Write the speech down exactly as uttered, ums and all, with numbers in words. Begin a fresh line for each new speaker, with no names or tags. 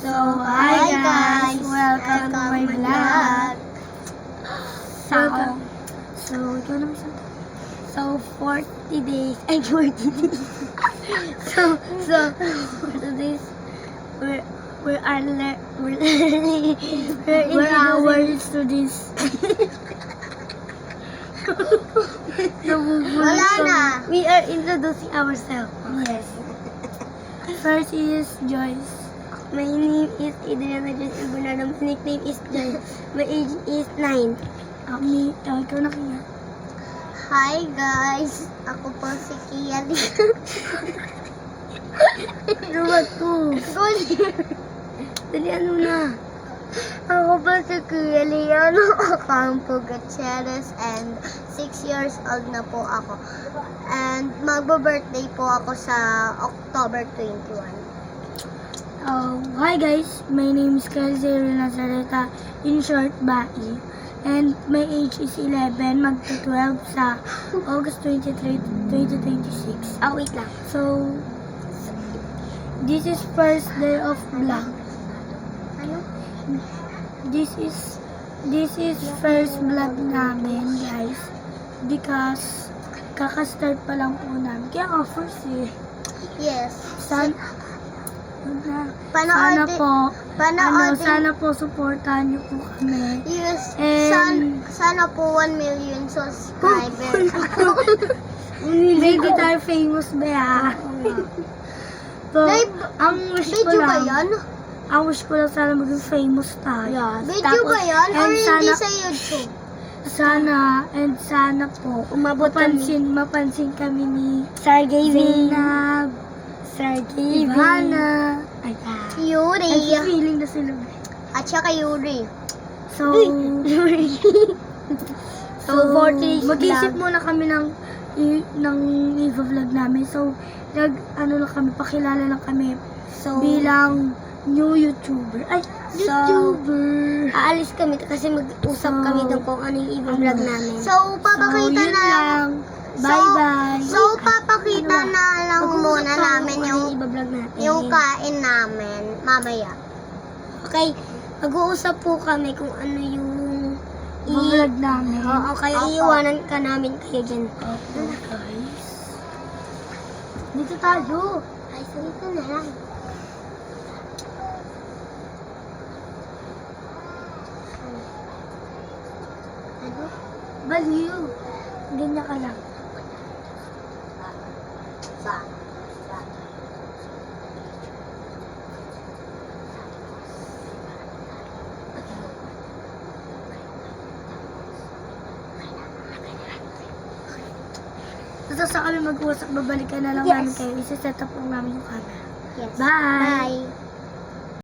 So, hi guys! Welcome to my vlog. So, so, ikaw naman siya. So, forty days, ay, forty days. so, so, so this, we're, we're, are le- we're learning, we're, we're hours to this. so,
Wala na.
We are introducing ourselves. Yes. First is Joyce. My name is Adriana Joyce Bernardo. My nickname is Joyce. My age is nine. Uh, me, uh, ikaw na kaya.
Hi guys! Ako po si Kia Lee.
Ano ba to?
Good.
Dali, ano na?
Ako po si Kia Liano Ocampo Gutierrez and six years old na po ako. And magbo-birthday po ako sa October twenty-first.
Uh, hi guys, my name is Kelsey Nazareta, in short, Bai. And my age is eleven, magta-twelve sa August twenty-third, twenty twenty-six.
Ah, wait lang.
So, this is first day of vlog.
Ano?
This is this is first vlog namin, guys. Because kaka-start pa lang po namin. Kaya nga first eh.
Yes.
San, na,
Panood
sana
din-
po,
Panood
ano,
din-
sana po supportahan niyo po kami.
Yes.
And-
San, sana po one million subscribers.
Hindi tayo famous ba ha? So,
Live-
ang wish ko
Video ba
lang,
yan?
ang wish ko lang sana maging famous tayo.
Video ba yan? Or
and
hindi
sana,
sa YouTube?
sana, and sana po,
Umabot kami.
mapansin, mapansin kami ni
Sir
Zainab, Sir Ivana, ay, ay,
Yuri.
feeling na sila.
At saka Yuri.
So,
So, forty days
mag-isip
vlog.
muna kami ng i- ng i-vlog namin. So, nag, ano lang kami, pakilala lang kami
So,
bilang new YouTuber. Ay,
So,
YouTuber!
aalis kami kasi mag-usap
So,
kami doon kung ano yung i-vlog
ano?
namin. So, papakita
so, yun
na
lang. Bye-bye!
So, papakita
Ano ba?
na lang
Mag-uusap
muna
tayo
namin
kung
yung
ano i-vlog natin.
yung kain namin mamaya. Okay, mag-uusap po kami kung ano yung
i-vlog namin.
Oo, kaya
Opo.
iiwanan ka namin kayo dyan.
Opo, guys. Dito tayo.
Ay, salita na lang. Ano?
Baliw. Ganyan ka lang.
Sa?
Tapos sa kami mag-uusap, babalikan na lang
Yes.
namin kayo. Isa-set up lang namin yung camera.
Yes.
Bye!
Bye.